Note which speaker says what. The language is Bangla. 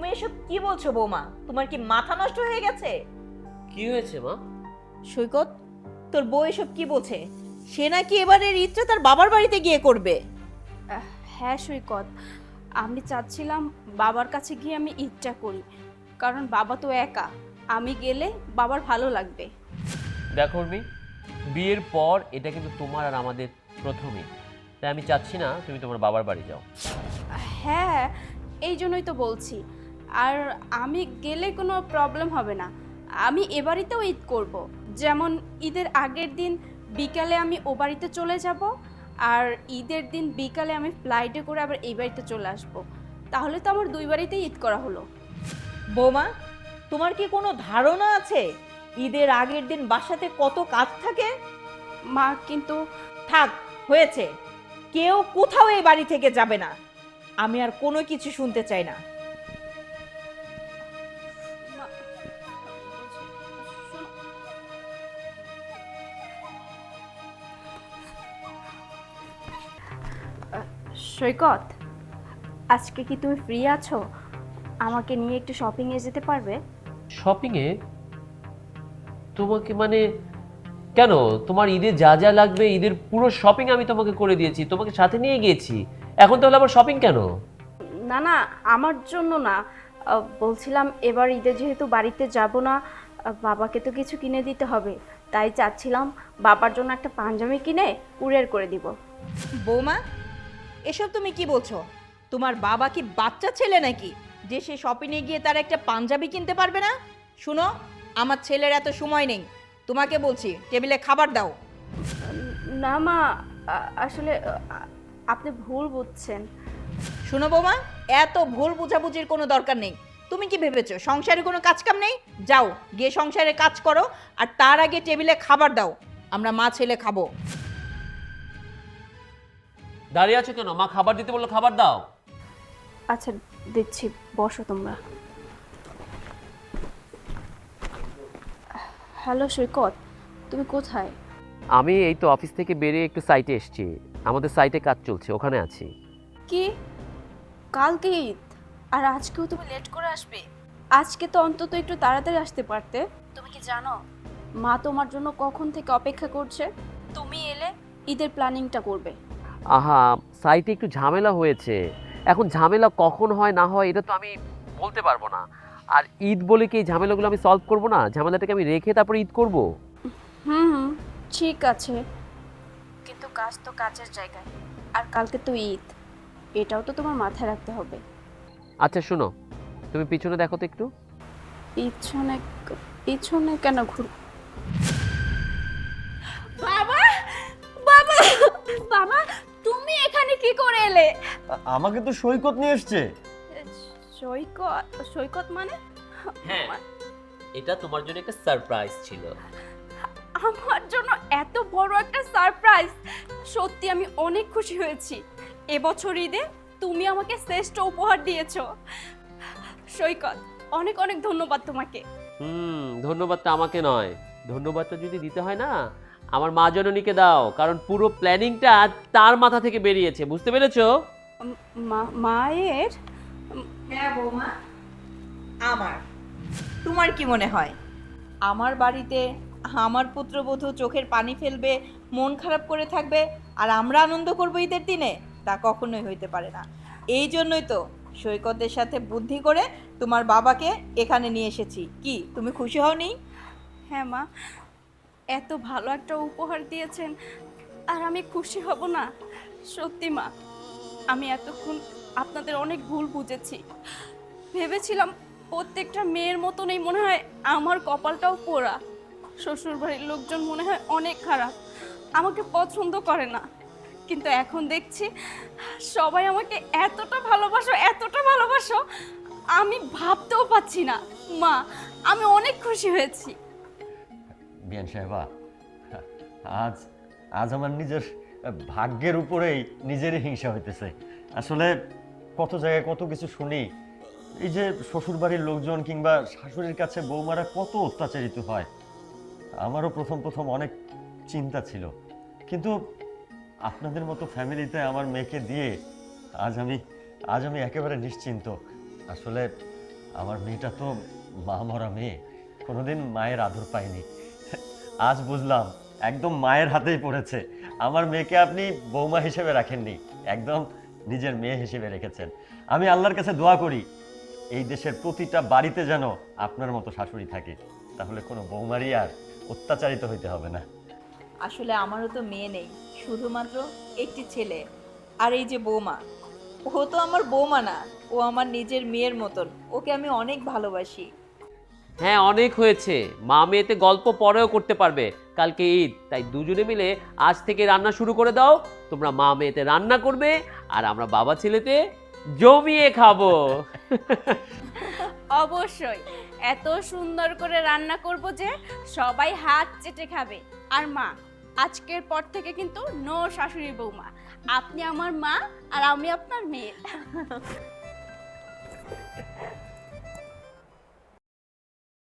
Speaker 1: তুমি এসব কি বলছো বৌমা? তোমার কি মাথা নষ্ট হয়ে গেছে?
Speaker 2: কি হয়েছে মা?
Speaker 1: সৈকত, তোর বউ এসব কি বলছে? সে নাকি এবারের ঈদটা তার বাবার বাড়িতে গিয়ে করবে।
Speaker 3: হ্যাঁ সৈকত, আমি চাচ্ছিলাম বাবার কাছে গিয়ে আমি ঈদটা করি, কারণ বাবা তো একা, আমি গেলে বাবার ভালো লাগবে।
Speaker 2: দেখো উর্মি, বিয়ের পর এটা কিন্তু তোমার আর আমাদের প্রথম ঈদ, তাই আমি চাচ্ছি না তুমি তোমার বাবার বাড়ি যাও।
Speaker 3: হ্যাঁ, এই জন্যই তো বলছি। আর আমি গেলে কোনো প্রবলেম হবে না, আমি এ বাড়িতেও ঈদ করব। যেমন ঈদের আগের দিন বিকালে আমি ও বাড়িতে চলে যাব, আর ঈদের দিন বিকালে আমি ফ্লাইটে করে আবার এই বাড়িতে চলে আসব। তাহলে তো আমার দুই বাড়িতেই ঈদ করা হলো।
Speaker 1: বৌমা, তোমার কি কোনো ধারণা আছে ঈদের আগের দিন বাসাতে কত কাজ থাকে?
Speaker 3: মা কিন্তু
Speaker 1: থাক, হয়েছে। কেউ কোথাও এই বাড়ি থেকে যাবে না। আমি আর কোনো কিছু শুনতে চাই না।
Speaker 3: মা, শোনো। সৈকত, আজকে কি তুমি ফ্রি আছো? আমাকে নিয়ে একটু শপিংয়ে যেতে পারবে?
Speaker 2: শপিংয়ে? তোমাকে মানে কেন? তোমার ঈদে যা যা লাগবে ঈদের পুরো শপিং আমি তোমাকে করে দিয়েছি, তোমাকে সাথে নিয়ে গিয়েছি। এখন তাহলে আবার শপিং কেন?
Speaker 3: না না, আমার জন্য না। বলছিলাম এবার ঈদে যেহেতু বাড়িতে যাব না, বাবাকে তো কিছু কিনে দিতে হবে, তাই চাচ্ছিলাম বাবার জন্য একটা পাঞ্জাবি কিনে কুরিয়ার করে দিব।
Speaker 1: বৌমা, এসব তুমি কি বলছো? তোমার বাবা কি বাচ্চা ছেলে নাকি যে সে শপিংয়ে গিয়ে তার একটা পাঞ্জাবি কিনতে পারবে না? শুনো, আমার ছেলের এত সময় নেই। তোমাকে বলছি, টেবিলে খাবার দাও।
Speaker 3: না মা, আসলে আপনি ভুল বুঝছেন।
Speaker 1: শুনো বৌমা, এত ভুল বুঝাবুঝির কোনো দরকার নেই। তুমি কি ভেবেছো সংসারে কোনো কাজ কাম নেই? যাও গিয়ে সংসারে কাজ করো, আর তার আগে টেবিলে খাবার দাও। আমরা মা ছেলে খাবো।
Speaker 2: দাঁড়িয়ে আছো কেন? মা খাবার দিতে বললো, খাবার দাও।
Speaker 3: আচ্ছা দিচ্ছি, বসো তোমরা। হ্যালো সৈকত, তুমি কোথায়?
Speaker 2: আমি এই তো অফিস থেকে বেরিয়ে একটু সাইটে এসেছি, আমাদের সাইটে কাজ চলছে, ওখানে আছি।
Speaker 3: কি, কালকে ঈদ আর আজকেও তুমি লেট করে আসবে? আজকে তো অন্তত একটু তাড়াতাড়ি আসতে পারতে। তুমি কি জানো মা তোমার জন্য কখন থেকে অপেক্ষা করছে? তুমি এলে ঈদের প্ল্যানিংটা করবে।
Speaker 2: আহা, সাইটে একটু ঝামেলা হয়েছে। এখন ঝামেলা কখন হয় না হয় এটা তো আমি বলতে পারবো না। আর ঈদ বলে কি এই ঝামেলাগুলো আমি সলভ করব না? ঝামেলাটাকে আমি রেখে তারপরে ঈদ করব?
Speaker 3: হুম, ঠিক আছে, কিন্তু কাজ তো কাজের জায়গায়, আর কালকে তো ঈদ, এটাও তো তোমার মাথায় রাখতে হবে।
Speaker 2: আচ্ছা শোনো, তুমি পিছনে দেখো তো একটু।
Speaker 3: পিছনে? পিছনে কেন ঘুর? বাবা, বাবা, বাবা, তুমি এখানে কি করে এলে?
Speaker 4: আমাকে তো সৈকত নিয়ে এসছে।
Speaker 3: সৈকত? সৈকত মানে?
Speaker 2: হ্যাঁ, এটা তোমার জন্য একটা সারপ্রাইজ ছিল।
Speaker 3: আমার জন্য এত বড় একটা সারপ্রাইজ? সত্যি আমি অনেক খুশি হয়েছি। এবছর ঈদে তুমি আমাকে শ্রেষ্ঠ উপহার দিয়েছো। সৈকত, অনেক অনেক ধন্যবাদ তোমাকে।
Speaker 2: ধন্যবাদটা আমাকে নয়, ধন্যবাদটা যদি দিতে হয় না আমার মা জননীকে দাও, কারণ পুরো প্ল্যানিংটা তার মাথা থেকে বেরিয়েছে, বুঝতে পেরেছো?
Speaker 3: মায়ের?
Speaker 1: হ্যাঁ বৌমা, আমার। তোমার কি মনে হয় আমার বাড়িতে আমার পুত্রবধূ চোখের পানি ফেলবে, মন খারাপ করে থাকবে, আর আমরা আনন্দ করবো ঈদের দিনে? তা কখনোই হইতে পারে না। এই জন্যই তো সৈকতের সাথে বুদ্ধি করে তোমার বাবাকে এখানে নিয়ে এসেছি। কি তুমি খুশি হওনি?
Speaker 3: হ্যাঁ মা, এত ভালো একটা উপহার দিয়েছেন, আর আমি খুশি হব না? সত্যি মা, আমি এতক্ষণ আপনাদের অনেক ভুল বুঝেছি। ভেবেছিলাম প্রত্যেকটা মেয়ের মতনই মনে হয় আমার কপালটাও পোড়া। শ্বশুরবাড়ির লোকজন মনে হয় অনেক খারাপ, আমাকে পছন্দ করে না। কিন্তু এখন দেখছি সবাই আমাকে এতটা ভালোবাসো, এতটা ভালোবাসো, আমি ভাবতেও পাচ্ছি না। মা, আমি অনেক খুশি হয়েছি।
Speaker 4: বিয়ান সাহেবা, আজ আজ আমার নিজের ভাগ্যের উপরেই নিজেরই হিংসা হইতেছে। আসলে কত জায়গায় কত কিছু শুনি, এই যে শ্বশুরবাড়ির লোকজন কিংবা শাশুড়ির কাছে বৌমারা কত অত্যাচারিত হয়। আমারও প্রথম প্রথম অনেক চিন্তা ছিল, কিন্তু আপনাদের মতো ফ্যামিলিতে আমার মেয়েকে দিয়ে আজ আমি একেবারে নিশ্চিন্ত। আসলে আমার মেয়েটা তো মা মরা মেয়ে, কোনোদিন মায়ের আদর পায়নি। আজ বুঝলাম একদম মায়ের হাতেই পড়েছে। আমার মেয়েকে আপনি বৌমা হিসেবে রাখেননি, একদম নিজের মেয়ে হিসেবে রেখেছেন। আমি আল্লাহর কাছে দোয়া করি এই দেশের প্রতিটা বাড়িতে যেন আপনার মতো শাশুড়ি থাকে, তাহলে কোনো বৌমারই আর অত্যাচারিত হইতে হবে না।
Speaker 1: আসলে আমারও তো মেয়ে নেই, শুধুমাত্র একটি ছেলে। আর এই যে বৌমা, ও তো আমার বৌমা না, ও আমার নিজের মেয়ের মতন। ওকে আমি অনেক ভালোবাসি।
Speaker 2: হ্যাঁ, অনেক হয়েছে। মা মেয়েতে গল্প পরেও করতে পারবে। কালকে ঈদ, তাই দুজনে মিলে আজ থেকে রান্না শুরু করে দাও। তোমরা মা মেয়েতে রান্না করবে আর আমরা বাবা ছেলেতে জমিয়ে খাবো।
Speaker 3: অবশ্যই এত সুন্দর করে রান্না করব যে সবাই হাত চেটে খাবে। আর মা, আজকের পর থেকে কিন্তু নো শাশুড়ি বৌমা, আপনি আমার মা আর আমি আপনার মেয়ে।